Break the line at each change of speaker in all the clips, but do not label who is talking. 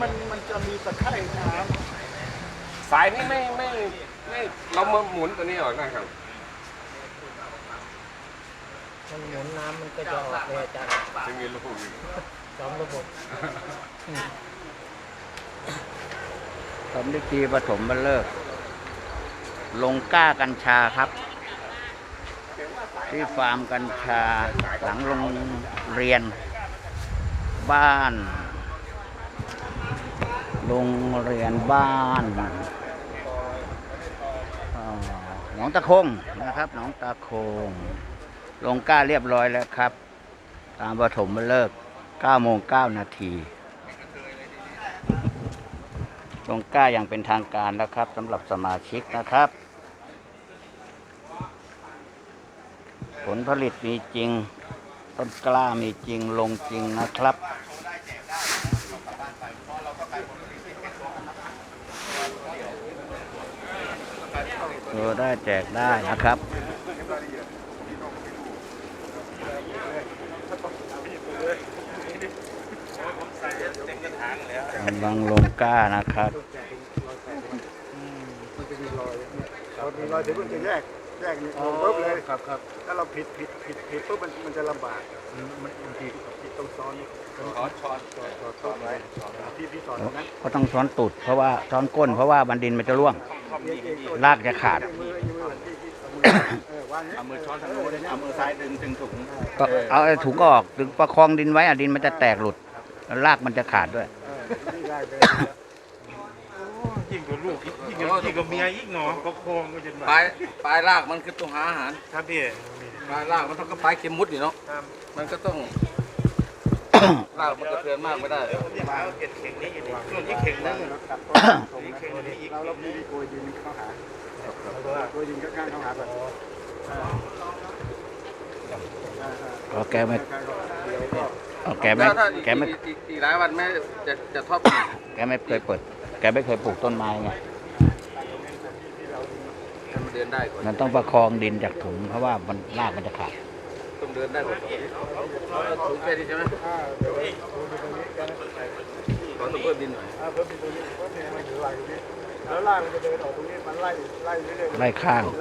มันจะมีตะไคร่น้
สายนี่ไม่เรามาหมุนตัวนี้ออกนะครับ
มันหมุนน้ำมันก็จะออกเลยอาจารย์
จะมีลูกอยู่
สองระบบ
สมฤทธิ์ปฐมบรรเลิกลงกล้ากัญชาครับ ที่ฟาร์มกัญชาหลังโรงเรียนบ้านโรงเรียนบ้านหนองตะคงนะครับหนองตะคงลงกล้าเรียบร้อยแล้วครับตามปฐมฤกษ์9:09 นาทีลงกล้าอย่างเป็นทางการแล้วครับสำหรับสมาชิกนะครับผลผลิตมีจริงต้นกล้ามีจริงลงจริงนะครับตัวได้แจกได้นะครับกำลังลงกล้านะครับ
มันจะมีรอยเรามีรอยเดี๋ยวมันจะแยกนี่ลงปุ๊บเลยครับถ้าเราผิดปุ๊บมันจะลำบากมันผิดตรงซ้อนช้อนไว้พี่สอนนะ
ก็ต้องช้อนตูดเพราะว่าช้อนก้นเพราะว่าบันดินมันจะร่วงรากจะขาด
เอามือช้อนทางโน้นเอามือซ้ายดึงถุง
ก็เอาถุงออกดึงประคองดินไว้ดินมันจะแตกหลุดรากมันจะขาดด้วย
ยิ่งกว่าลูกยิ่งกว่าเมียยิ่งหนอก็คงก็จะมา
ปลายรากมันคือตัวหาอาหาร
ครับพี่
ปลายรากมันต้องก็ปลายเข็มมุดอยู่เนาะมันก็ต้องรากมันกระเทือนมากไม่ได้
มาเก็บเข่งนี้อยู่นี่ช่วงที่เข่งนั่น
เราพี่โกยดินเข้าหาโกยดินข้างเข้าหาแบบ
ก็แกไม่
อีกหลายวันแม่จะทอด
แกไม่เคยเปิดแกไม่เคยปลูกต้นไม้ไง
มันเดินได้ก่อน
มันต้องประคองดินจากถุงเพราะว่ามันรากมันจะขาด
ต้องเดินได้ก่อนถุงแค่นี้ใช่ไหมขอต้องเพิ่มดินหน่อย
เพิ่มดินตรงนี้เพิ่มดินมันอยู่ไหลตรงนี้แล้วล่างมันจะเดินออกตรงนี้มันไล่เรื่อย
ไล่ข้าง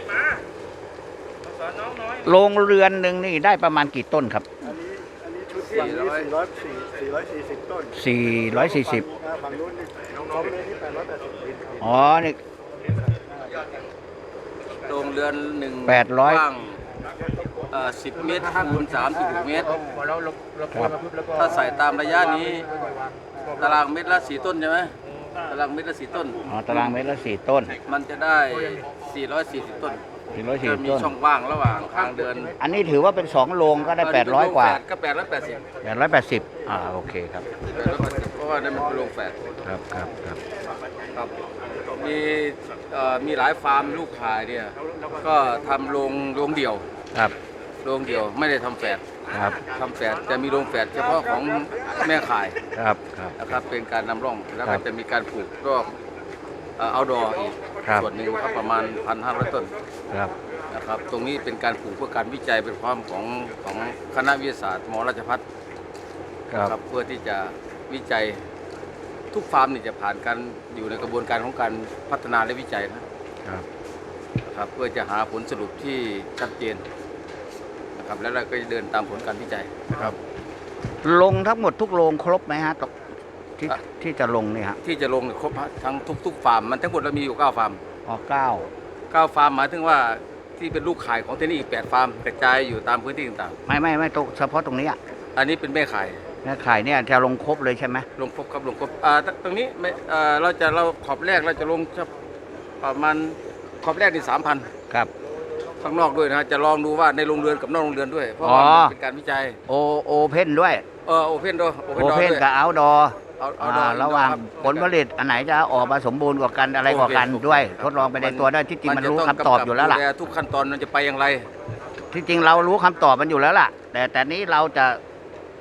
โรงเรือนหนึ่งนี่ได้ประมาณกี่ต้นครับ
อันนี้ชุดฝั่งนี้440 ต้น
440
ฝั่งนู้นนี่น้องเลยนี่880
อ๋อนี่
โรงเรือนหนึ่ง
800
กว้าง10 เมตรข้างคูณ36 เมตรถ้าใส่ตามระยะนี้ตารางเมตรละ4 ต้นใช่ไหมตารางเมตรละ4 ต้น
อ๋อตารางเมตรละ4 ต้น
มันจะได้440 ต้น
440
มี
ต้น
ช่องว่างระหว่างทางเดิน
อันนี้ถือว่าเป็น2โรงก็ได้800กว่า
ก็
880โอเคครับ
880เพราะว่านั่นมันเป็นโรงแฝด
ครับ
มีหลายฟาร์มลูกขายเนี่ยก็ทำโรงเดี่ยว
ครับ
โรงเดี่ยวไม่ได้ทำแฝด
ครับ
ทำแฝดจะมีโรงแฝดเฉพาะของแม่ขาย
ครับ
นะครับเป็นการนำร่องแล้วก็จะมีการปลูกรอบเอาดออีกส่วนหนึ่งครับประมาณ 1,500 ต้นนะครับตรงนี้เป็นการปลูกเพื่อการวิจัยเป็นความของคณะวิทยาศาสตร์มราชภัฏครับเพื่อที่จะวิจัยทุกฟาร์มนี่จะผ่านการอยู่ในกระบวนการของการพัฒนาและวิจัยนะครับเพื่อจะหาผลสรุปที่ชัดเจนนะครับแล้วเราก็จะเดินตามผลการวิจัยนะครับ
ลงทั้งหมดทุกโรงครบไหมฮะที่จะลงนี่ฮะ
ที่จะลงครบทั้งทุกฟาร์มมันทั้งหมดเรามีอยู่9 ฟาร์ม9 ฟาร์มหมายถึงว่าที่เป็นลูกขายของที่นี่อีก8 ฟาร์มกระจายอยู่ตามพื้นที่ต่าง
ๆไม่ตรงเฉพาะตรงนี้
อันนี้เป็นแม่ขาย
เนี่ยจะลงครบเลยใช่ไหม
ลงครบครับลงครบตรงนี้เราขอบแรกเราจะลงประมาณขอบแรกนี่ 3,000
ครับ
ข้างนอกด้วยนะจะลองดูว่าในโรงเรือนกับนอกโรงเรือนด้วยเพราะว่าเป็นการวิจัย
โอเพนด้วย
โอเพนด้วย
โอเพนกับเอาดอระหว่างผลผลิตอันไหนจะออกมาสมบูรณ์กว่ากันอะไรกว่ากันด้วยทดลองไปในตัวได้ที่จริงมันรู้คำตอบอยู่แล้วล่ะ
ทุกขั้นตอนมันจะไปอย่างไร
ที่จริงเรารู้คำตอบมันอยู่แล้วล่ะแต่นี้เราจะ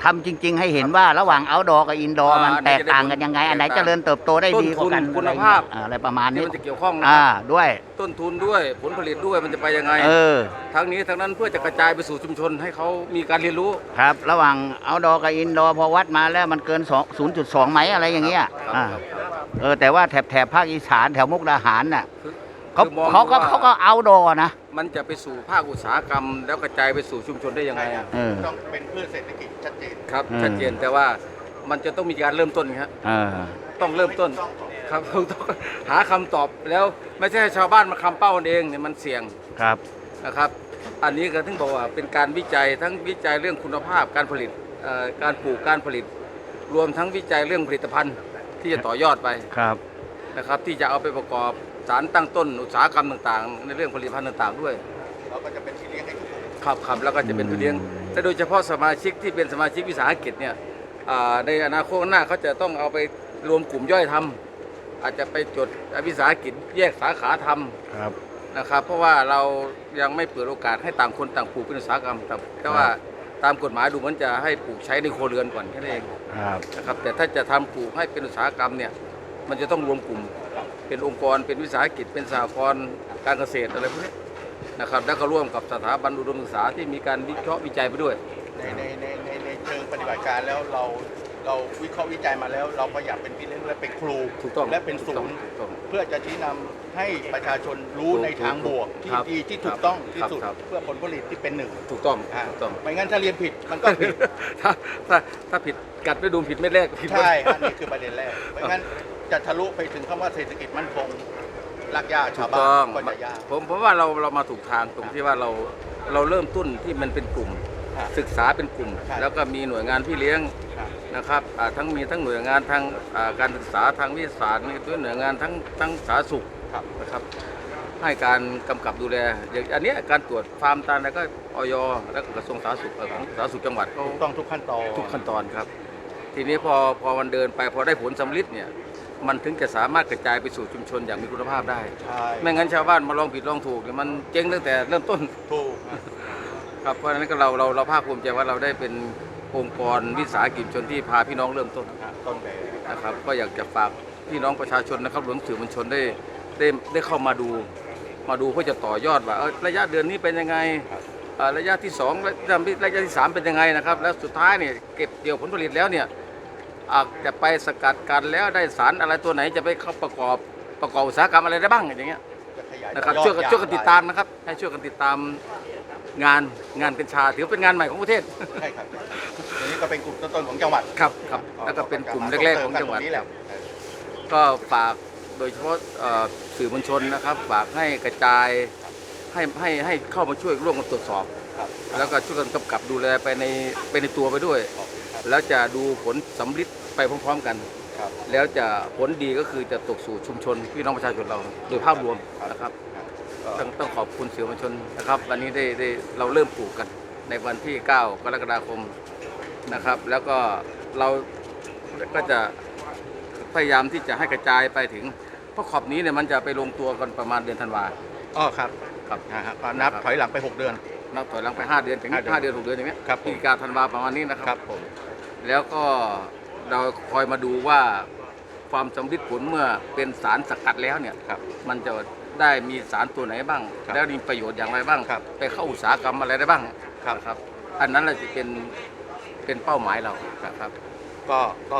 ทำจริง ๆ ให้เห็นว่าระหว่างเอาดอกับอินดอร์มันแตกต่างกันยังไง อันไหนเจริญเติบโตได้ดีกว่ากัน
ต้นทุนคุณภาพ
อะไรประมาณ
ที่
นี้
มันจะเกี่ยวข้องนะ
ด้วย
ต้นทุนด้วยผลผลิตด้วยมันจะไปยังไง ทั้งนี้ทั้งนั้นเพื่อจะกระจายไปสู่ชุมชนให้เขามีการเรียนรู้
ครับ ระหว่างเอาดอกับอินดอร์พอวัดมาแล้วมันเกิน 0.2 ไหมอะไรอย่างเงี้ย แต่ว่าแถบภาคอีสานแถวมุกดาหารน่ะเขาก็เอาดอนะ
มันจะไปสู่ภาคอุตสาหกรรม แล้วกระจายไปสู่ชุมชนได้ยังไง
ต้องเป็นพืชเศรษฐกิจชัดเจน
ครับชัดเจนแต่ว่ามันจะต้องมีการเริ่มต้นครับต้องเริ่มต้นครับต้องหาคำตอบแล้วไม่ใช่ชาวบ้านมาคำเป้ากันเองเนี่ยมันเสี่ยง
ครับ
นะครับ อันนี้ก็ถึงบอกว่าเป็นการวิจัยทั้งวิจัยเรื่องคุณภาพการผลิตการปลูกการผลิต รวมทั้งวิจัยเรื่องผลิตภัณฑ์ที่จะต่อยอดไป
ครับ
นะครับที่จะเอาไปประกอบสารตั้งต้นอุตสาหกรรมต่างๆ ในเรื่องผลิตภัณฑ์ต่างๆด้วย
เราก็จะเป็นที่เลี้ยงให้ทุกคน
ครับแล้วก็จะเป็นทุเรียนแต่โดยเฉพาะสมาชิกที่เป็นสมาชิกวิสาหกิจเนี่ยในอนาคตข้างหน้าเขาจะต้องเอาไปรวมกลุ่มย่อยทำอาจจะไปจดวิสาหกิจแยกสาขาทำนะครับเพราะว่าเรายังไม่เปิดโอกาสให้ต่างคนต่างปลูกเป็นอุตสาหกรรมแต่ว่าตามกฎหมายดูมันจะให้ปลูกใช้ในครัวเรือนก่อนแค่นั้นเองนะครับแต่ถ้าจะทำปลูกให้เป็นอุตสาหกรรมเนี่ยมันจะต้องรวมกลุ่มเป็นองค์กรเป็นวิสาหกิจเป็นสหกรณ์การเกษตรอะไรพวกนี้นะครับแล้วก็ร่วมกับสถาบันอุดมศึกษาที่มีการวิเคราะห์วิจัยไปด้วย
ในเชิงปฏิบัติการแล้วเราวิเคราะห์วิจัยมาแล้ว เราก็อยากเป็นพี่เลี้ยงและเป็นครู
ถูกต้อง
และเป็นศูนย์เพื่อจะชี้นำให้ประชาชนรู้ในทางบวกที่ดีที่ถูกต้องที่สุดเพื่อผลผลิตที่เป็นหนึ่ง
ถูกต้อง
ไม่งั้นถ้าเรียนผิดมันก็ผิด
ถ้าผิดกัดไปดูผิดไม่แรกผิด
ใช่อันนี้คือประเด็นแรกไม่งั้นจะทะลุไปถึงคำว่าเศรษฐกิจมั่นคงรากหญ้าชาวบ้านก็จะยาก
ผมว่าเรามาถูกทางตรงที่ว่าเราเริ่มต้นที่มันเป็นกลุ่มศึกษาเป็นกลุ่ม แล้วก็มีหน่วยงานพี่เลี้ยงนะครับทั้งมีทั้งหน่วยงานทางการศึกษาทางวิทยาศาสตร์มีด้วยหน่วยงานทั้งสาธารณสุขนะครับให้การกำกับดูแลอย่างอันนี้การตรวจฟาร์มตาลแล้วก็อย.แล้วก็กระทรวงสาธารณสุขของสาธารณสุขจังหวัดเขา
ต้องทุกขั้นตอน
ครับทีนี้พอมันเดินไปพอได้ผลสำลิดเนี่ยมันถึงจะสามารถกระจายไปสู่ชุมชนอย่างมีคุณภาพได้ไม่งั้นชาวบ้านมาลองผิดลองถูกเนี่ยมันเจ๊งตั้งแต่เริ่มต้น
ถูก
ครับเพราะฉะนั้นก็เราภาคภูมิใจว่าเราได้เป็นองค์กรวิสาหกิจชนที่พาพี่น้องเริ่มต้น
แบบ
นะครับก็อยากจะฝากพี่น้องประชาชนนะครับรวมถึงสื่อมวลชนได้เข้ามาดูเพื่อจะต่อยอดว่าระยะเดือนนี้เป็นยังไงระยะที่2ระยะที่3เป็นยังไงนะครับแล้วสุดท้ายเนี่ยเก็บเกี่ยวผลผลิตแล้วเนี่ยจะไปสกัดกันแล้วได้สารอะไรตัวไหนจะไปเข้าประกอบอุตสาหกรรมอะไรได้บ้างอย่างเงี้ยนะครับช่วยกันติดตามนะครับให้ช่วยกันติดตามงานเป็นชาถือเป็นงานใหม่ของประเทศ
ใช่ครับอันนี้ก็เป็นกลุ่มต้นๆของจังหวัด
ครับแล้วก็เป็นกลุ่มแรกๆของจังหวัดก็ฝากโดยเฉพาะสื่อมวลชนนะครับฝากให้กระจายให้เข้ามาช่วยร่วมกันตรวจสอบแล้วก็ช่วยกันกำกับดูแลไปในตัวไปด้วยแล้วจะดูผลสำลิดไปพร้อมๆกันแล้วจะผลดีก็คือจะตกสู่ชุมชนพี่น้องประชาชนเราโดยภาพรวมนะครับต้องขอบคุณสื่อมวลชนนะครับวันนี้ได้เราเริ่มปลูกกันในวันที่9 กรกฎาคมนะครับแล้วก็เราก็จะพยายามที่จะให้กระจายไปถึงเพราะขอบนี้เนี่ยมันจะไปลงตัวกันประมาณเดือนธันวา
ครับนับถอยหลังไป6 เดือน
นับถอยหลังไป5 เดือนถึง5 เดือน6 เดือนอย่างเงี้ยพฤศจิกาธันวาประมาณนี้นะครับ
ผม
แล้วก็เราคอยมาดูว่าความสำลิดผลเมื่อเป็นสารสกัดแล้วเนี่ยมันจะได้มีสารตัวไหนบ้างแล้วมีประโยชน์อย่างไรบ้างไปเข้าอุตสาหกรรมอะไรได้บ้างครับอันนั้นเราจะเป็นเป้าหมายเราครับ
ก็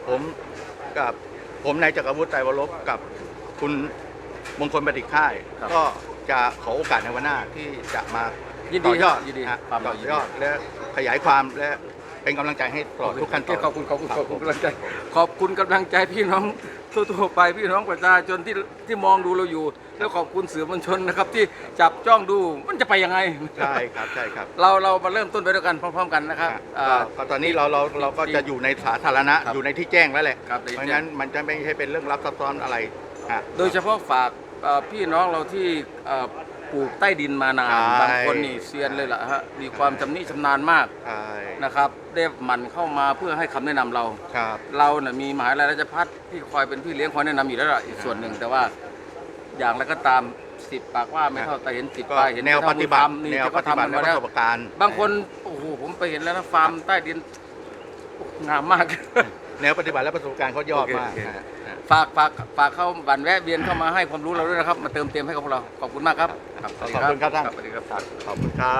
ผมนายจักรวุฒิ ไตรวรบกับคุณมงคลประดิษฐ์ค่ายก็จะขอโอกาสในวันหน้าที่จะมาต่อยอดต่อยอดและขยายความและเป็นกำลังใจให้ตลอดทุกขั้นตอน
ขอบคุณกำลังใจขอบคุณกำลังใจพี่น้องทั่วไปพี่น้องประชาชนที่มองดูเราอยู่แล้วขอบคุณสื่อมวลชนนะครับที่จับจ้องดูมันจะไปยังไง
ใช่ครับ
เรามาเริ่มต้นไปด้วยกันพร้อมๆกันนะครับ
ตอนนี้เราก็จะอยู่ในสาธารณะอยู่ในที่แจ้งแล้วแหละเพราะงั้นมันจะไม่ใช่เป็นเรื่องลับซับซ้อนอะไร
โดยเฉพาะฝากพี่น้องเราที่ปลูกใต้ดินมานานบางคนนี่เซียนเลยล่ะฮะมีความชำนาญมากนะครับได้หมั่นเข้ามาเพื่อให้คำแนะนำเราเนี่ยมีมหาวิทยาลัยราชภัฏที่คอยเป็นพี่เลี้ยงคอยแนะนำอยู่แล้วล่ะอีกส่วนหนึ่งแต่ว่าอย่างไรก็ตาม10 ปากว่าไม่เท่าแต่เห็น10 ปากเห็น
แนวปฏิบัติ
นี่ก็ทำมาแล้วบางคนโอ้โหผมไปเห็นแล้วนะฟาร์มใต้ดินงามมาก
แนวปฏิบัติและประสบการณ์เขายอดมาก
โอเค
ฮะ
ฝากเข้าบันแวะเวียนเข้ามาให้ความรู้เราด้วยนะครับ มาเติมเต็มให้กับพวกเราขอบคุณมากครับสวัสดี
ขอบคุณครับท่าน
สวัสดีครับ
ขอบคุณครับ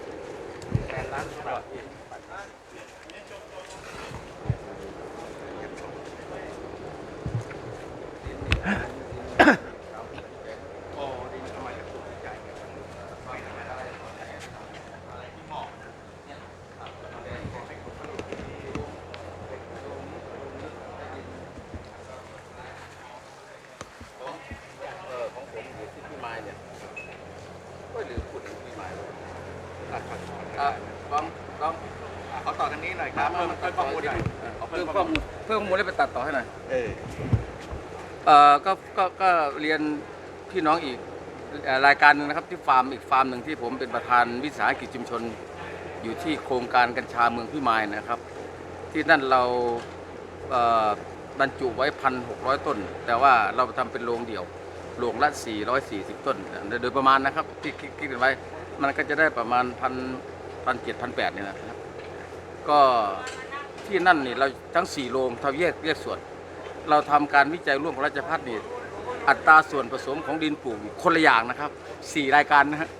ของผมอยู่ที่พี่ไม้เนี่ยก็ลืมพูดถึงพี่ไม้เลยลอง
ขอต่อทางนี้หน่อยครับเพิ่มข้อมูลหน่อย
เพิ่มข้อมูลแล้วไปตัดต่อให้หน่อย
เออ
ก็เรียนพี่น้องอีกรายการหนึ่งนะครับที่ฟาร์มอีกฟาร์มหนึ่งที่ผมเป็นประธานวิสาหกิจชุมชนอยู่ที่โครงการกัญชาเมืองพี่ไม้นะครับ ที่นั่นเราบรรจุไว้ 1,600 ต้น แต่ว่าเราทำเป็นโรงเดี่ยวโรงละ440 ต้นโดยประมาณนะครับที่คิดกันไว้มันก็จะได้ประมาณ1,700-1,800เนี่ยนะครับก็ที่นั่นนี่เราทั้ง4โรงเราแยกส่วนเราทำการวิจัยร่วมกับราชภัฏนี่อัตราส่วนผสมของดินปลูกคนละอย่างนะครับ4รายการนะฮะ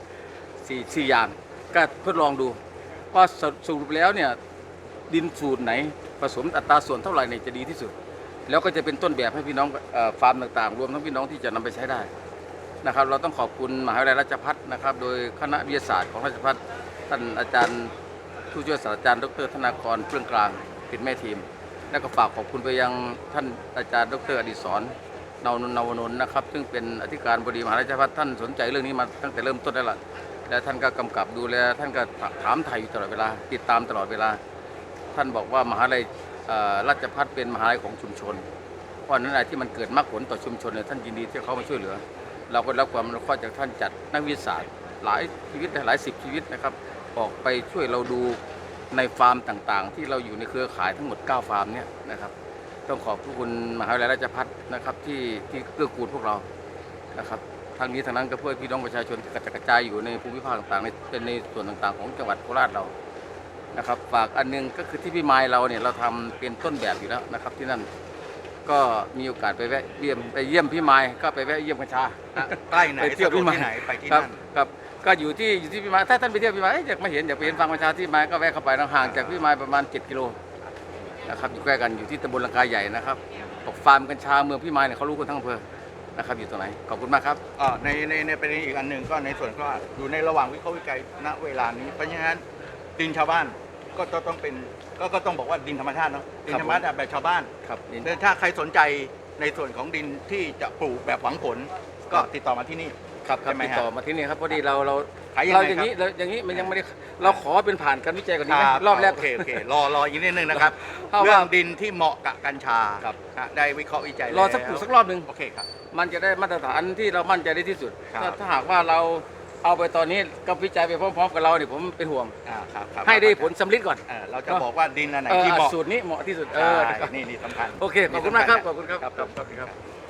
4อย่างก็ทดลองดูว่าสรุปแล้วเนี่ยดินสูตรไหนผสมอัตราส่วนเท่าไหร่เนี่ยจะดีที่สุดแล้วก็จะเป็นต้นแบบให้พี่น้องฟาร์มต่างๆรวมทั้งพี่น้องที่จะนำไปใช้ได้นะครับเราต้องขอบคุณมหาวิทยาลัยราชภัฏนะครับโดยคณะวิทยาศาสตร์ของราชภัฏท่านอาจารย์ผู้ช่วยศาสตราจารย์ดรธนากรเพื่องกลางเป็นแม่ทีมและก็ฝากขอบคุณไปยังท่านอาจารย์ดรอดิศรนวนนท์นะครับซึ่งเป็นอธิการบดีมหาวิทยาลัยราชภัฏท่านสนใจเรื่องนี้มาตั้งแต่เริ่มต้นแล้วล่ะและท่านก็กำกับดูแลท่านก็ถามไถ่อยู่ตลอดเวลาติดตามตลอดเวลาท่านบอกว่ามหาวิทยาลัยราชภัฏเป็นมหาวิทยาลัยของชุมชนเพราะนั้นอะไรที่มันเกิดมรรคผลต่อชุมชนเนี่ยท่านยินดีที่เขามาช่วยเหลือเราก็รับความอนุเคราะห์จากท่านจัดนักวิทยาศาสตร์หลายชีวิตหลายสิบชีวิตนะครับออกไปช่วยเราดูในฟาร์มต่างๆที่เราอยู่ในเครือข่ายทั้งหมด9ฟาร์มเนี่ยนะครับต้องขอบคุณมหาวิทยาลัยราชภัฏนะครับที่เกื้อกูลพวกเรานะครับทางนี้ทางนั้นก็เพื่อพี่น้องประชาชนที่กระจายอยู่ในภูมิภาคต่างๆเป็นในส่วนต่างๆของจังหวัดโคราชเรานะครับฝากอันนึงก็คือที่พี่ไม้เราเนี่ยเราทำเป็นต้นแบบอยู่แล้วนะครับที่นั่นก็มีโอกาสไปเยี่ยมพี่ไม้ก็ไปแวะเยี่ยมกัญชา
ใกล้ไหน
ไปเที่ยวพี่ไม้
ที่ไหนไปที่
ครับ
นั่น
ครับก็อยู่ที่พี่ไม้ถ้าท่านไปเที่ยวพี่ไม้อยากมาเห็นอยากไปเห็นฟาร์มกัญชาที่ไม้ก็แวะเข้าไปห่างจากพี่ไม้ประมาณ7 กิโลนะครับอยู่ใกล้กันอยู่ที่ตำบลลังกาใหญ่นะครับบอกฟาร์มกัญชาเมืองพี่ไม้เนี่ยเขารู้กันทั้งอำเภอนะครับอยู่ตรงไหนขอบคุณมากครับ
ในประเด็นอีกอันหนึ่งก็ในส่วนก็อยู่ในระหว่างวิเคราะห์วิจัยณเวลานี้เพราะฉะนั้นดินชาวบ้านก็ต้องเป็นก็ต้องบอกว่าดินธรรมชาติเนาะดินธรรมชาติแบบชาวบ้าน
ครับ
ถ้าใครสนใจในส่วนของดินที่จะปลูกแบบหวังผลก็ติดต่อมาที่นี่
ครับ
ใช่ไหม
ติด
ฮะ
ต่อมาที่นี่ครับพอดีเรา
ขายยังไง
เราอย่างนี้มันยังไม่ได้เราขอเป็นผ่านการวิจัยก่อนดีไหมรอบแรก
โอเครออีกนิดนึงนะครับ
เพราะว่า
เรื่องดินที่เหมาะกับกัญชา
ครับ
ได้วิเคราะห์วิจัย
รอสักปลูกสักรอบหนึ่ง
โอเคครับ
มันจะได้มาตรฐานที่เรามั่นใจได้ที่สุด
ครับ
ถ้าหากว่าเราเอาไปตอนนี้ก็วิจัยไปพร้อมๆกับเราเนี่ยผมเป็นห่วง
ครับ
ให้ได้ผลสำลิดก่อน
เราจะบอกว่าดินอันไหนที่เหมาะ
สูตรนี้เหมาะที่สุด
ใช่
นะครับ
นี่สำคัญ
โอเคขอบคุณมากครับขอบคุณครับ
ครับ